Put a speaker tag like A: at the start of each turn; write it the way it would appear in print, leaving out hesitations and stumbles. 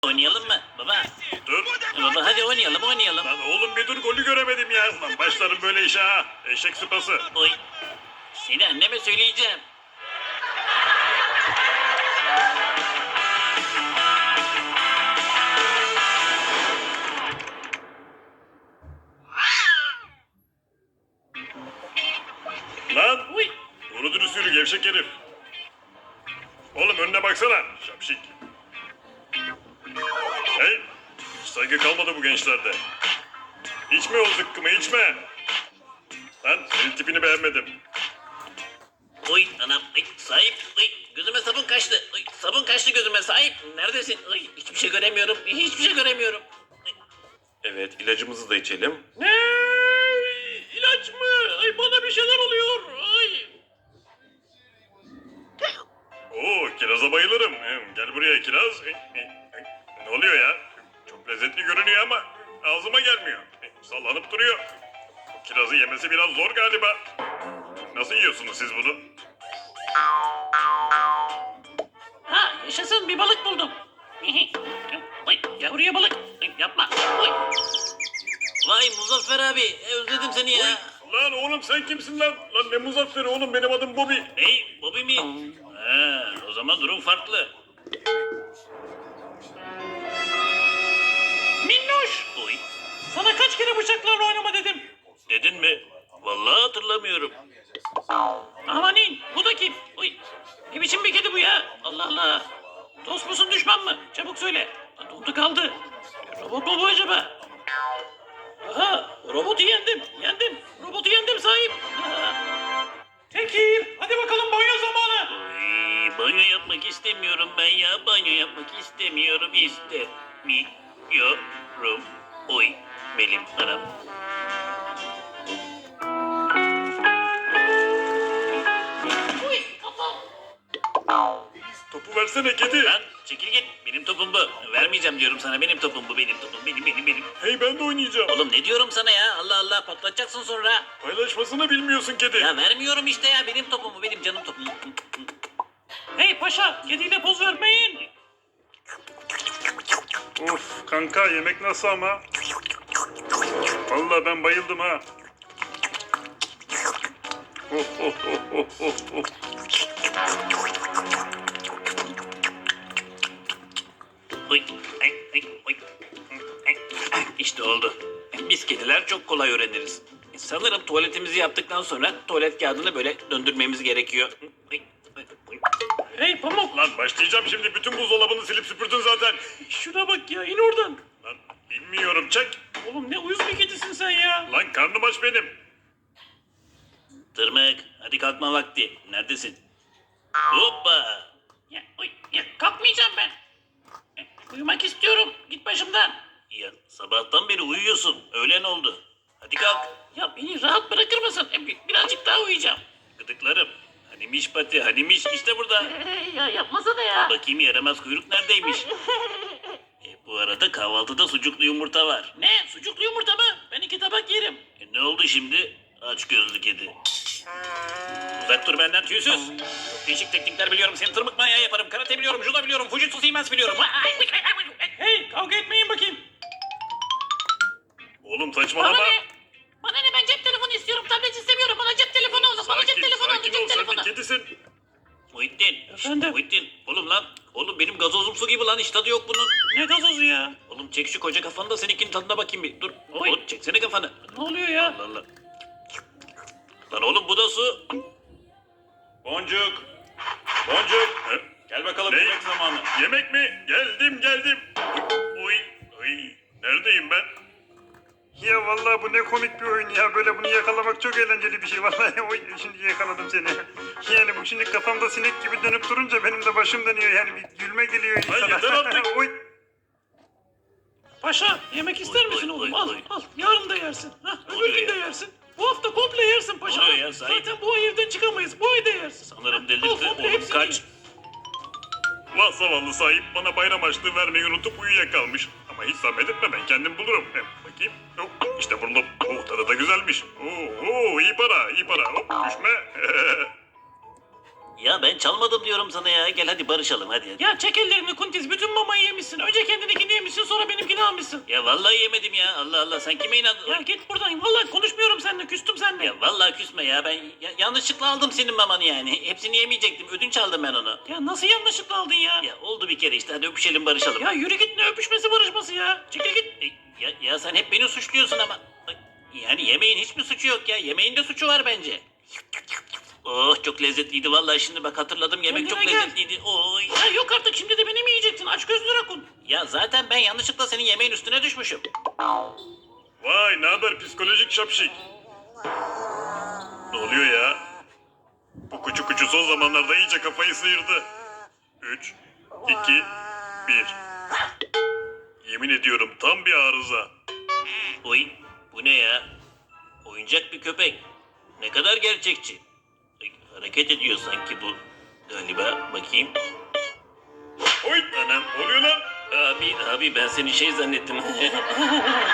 A: Oynayalım mı baba?
B: Dur.
A: Baba hadi oynayalım.
B: Lan oğlum bir dur, golü göremedim ya. Lan başlarım böyle işe ha. Eşek sıpası.
A: Oy. Seni anneme söyleyeceğim.
B: Lan.
A: Uy.
B: Doğru dürüst yürü gevşek herif. Oğlum önüne baksana. Şapşik. Hey. Hiç saygı kalmadı bu gençlerde. İçme o zıkkımı içme. Lan senin tipini beğenmedim.
A: Oy anam. Oy, sahip. Oy, gözüme sabun kaçtı. Oy, sabun kaçtı gözüme sahip. Neredesin? Oy, hiçbir şey göremiyorum. Hiçbir şey göremiyorum. Oy.
B: Evet, ilacımızı da içelim.
A: Ne? İlaç mı? Ay bana bir şeyler oluyor. Ay.
B: Oo, kiraza bayılırım. Gel buraya kiraz. Ne oluyor ya? Çok lezzetli görünüyor ama ağzıma gelmiyor. Sallanıp duruyor. Bu kirazı yemesi biraz zor galiba. Nasıl yiyorsunuz siz bunu?
A: Ha yaşasın bir balık buldum. Oy yavruya balık. Oy, yapma. Oy. Vay Muzaffer abi özledim seni ya.
B: Lan oğlum sen kimsin lan? Lan ne Muzafferi oğlum, benim adım Bobby.
A: Hey Bobby mi? Ha, o zaman durum farklı. Minnoş. Oy. Sana kaç kere bıçaklarla oynama dedim. Dedin mi? Vallahi hatırlamıyorum. Amanin bu da kim? Oy. Ne biçim bir kedi bu ya? Allah Allah. Dost musun düşman mı? Çabuk söyle. Dondu kaldı. Robot mu bu acaba? Aha robotu yendim. Robotu yendim sahip. Tekir hadi bakalım banyo zamanı. Ay, banyo yapmak istemiyorum ben ya. Banyo yapmak istemiyorum. İstemiyorum. Oy benim anam. Oy kafam.
B: Topu versene kedi.
A: Lan çekil git. Benim topum bu. Vermeyeceğim diyorum sana. Benim topum bu. Benim topum. Benim.
B: Hey ben de oynayacağım.
A: Oğlum ne diyorum sana ya? Allah Allah patlatacaksın sonra.
B: Paylaşmasını bilmiyorsun kedi.
A: Ya vermiyorum işte ya. Benim topum bu. Benim canım topum. Hey paşa. Kediyle poz vermeyin.
B: Of kanka, yemek nasıl ama? Vallahi ben bayıldım ha. Of.
A: Oy. Oy. İşte oldu. Biz kediler çok kolay öğreniriz. Sanırım tuvaletimizi yaptıktan sonra tuvalet kağıdını böyle döndürmemiz gerekiyor. Hey Pamuk.
B: Lan başlayacağım şimdi, bütün buzdolabını silip süpürdün zaten.
A: Şuna bak ya in oradan.
B: Lan bilmiyorum, çek.
A: Oğlum ne uyuz bir kedisin sen ya.
B: Lan karnım aç benim.
A: Tırmık hadi kalkma vakti. Neredesin? Hoppa. Ya kalkmayacağım ben. Uyumak istiyorum. Git başımdan. Ya sabahtan beri uyuyorsun. Öğlen oldu. Hadi kalk. Ya beni rahat bırakır mısın? Birazcık daha uyuyacağım. Gıdıklarım. Hanimiş pati, hanimiş işte burada. Ya yapmasana ya. Bakayım yaramaz kuyruk neredeymiş? Bu arada kahvaltıda sucuklu yumurta var. Ne? Sucuklu yumurta mı? Ben 2 tabak yerim. Ne oldu şimdi? Aç gözlü kedi. Uzak dur benden tüysüz. Çok değişik teknikler biliyorum. Seni tırmık manyağı yaparım. Karate biliyorum, judo biliyorum, Fujitsu Siemens biliyorum. Hey kavga etmeyin bakayım.
B: Oğlum saçmalama.
A: Bana ne ben cep telefonu istiyorum. Tablet istemiyorum. Bana cep telefonu olsun.
B: Sakin ol, sen bir kedisin.
A: Muhittin. Efendim? Muhittin. Oğlum lan. Oğlum benim gazozum su gibi lan. Hiç tadı yok bunun. Ne gazozu ya? Oğlum çek şu koca kafanı da seninkinin tadına bakayım bir. Dur. Oğlum çeksene kafanı. Ne oluyor ya? Allah Allah. Lan oğlum bu da su.
B: Boncuk. He?
A: Gel bakalım
B: Ne?
A: yemek zamanı.
B: Yemek mi? Geldim. Uy. Neredeyim ben?
C: Ya vallahi bu ne komik bir oyun ya. Böyle bunu yakalamak çok eğlenceli bir şey. Vallahi oy, şimdi yakaladım seni. Yani bu şimdi kafamda sinek gibi dönüp durunca benim de başım dönüyor. Yani bir gülme geliyor insana.
B: yeter artık.
C: Oy.
D: Paşa yemek ister
A: Oy,
D: misin
A: oy,
D: oğlum?
A: oy,
D: Al
A: oy.
D: al. Yarın da yersin. Hah,
A: Ne
D: öbür
A: oluyor
D: gün de
A: ya?
D: yersin. Bu hafta komple yersin paşa.
A: Ne oluyor
D: Al.
A: ya, sahip?
D: Zaten bu ay evden çıkamayız. Bu ay da yersin.
A: Sanırım
D: Al
A: delirdi.
D: komple
A: Oğlum
D: hepsini
A: kaç.
D: ye.
B: Vah zavallı sahip, bana bayram harçlığı vermeyi unutup uyuyakalmış. Ama hiç zahmet etme, ben kendim bulurum. Bakayım. İşte buldum. Tadı da güzelmiş. İyi para. Hop düşme.
A: Ya ben çalmadım diyorum sana ya. Gel hadi barışalım hadi.
D: Ya çek ellerini Kuntiz. Bütün mamayı yemişsin. Önce kendininkini yemişsin sonra benimkini almışsın.
A: Ya vallahi yemedim ya. Allah Allah sen kime inandın?
D: Ya git buradan. Vallahi konuşmuyorum seninle. Küstüm seninle.
A: Ya vallahi küsme ya. Ben yanlışlıkla aldım senin mamanı yani. Hepsini yemeyecektim. Ödünç aldım ben onu.
D: Ya nasıl yanlışlıkla aldın ya?
A: Ya oldu bir kere işte. Hadi öpüşelim barışalım.
D: Ya yürü git, ne öpüşmesi barışması ya. Çekil git.
A: Ya sen hep beni suçluyorsun ama. Yani yemeğin hiçbir suçu yok ya. Yemeğin de suçu var bence. Oh çok lezzetliydi vallahi şimdi bak hatırladım yemek çok
D: Kendine gel.
A: lezzetliydi. Oy.
D: Ya yok artık, şimdi de beni mi yiyeceksin? Aç gözlü rakun.
A: Ya zaten ben yanlışlıkla senin yemeğin üstüne düşmüşüm.
B: Vay ne haber psikolojik şapşik. Ne oluyor ya? Bu kuçu kuçu son zamanlarda iyice kafayı sıyırdı. 3, 2, 1. Yemin ediyorum tam bir arıza.
A: Oy bu ne ya? Oyuncak bir köpek. Ne kadar gerçekçi. Ay, hareket ediyor sanki bu. Galiba bakayım.
B: Oy anam oluyor lan.
A: Abi ben seni şey zannettim.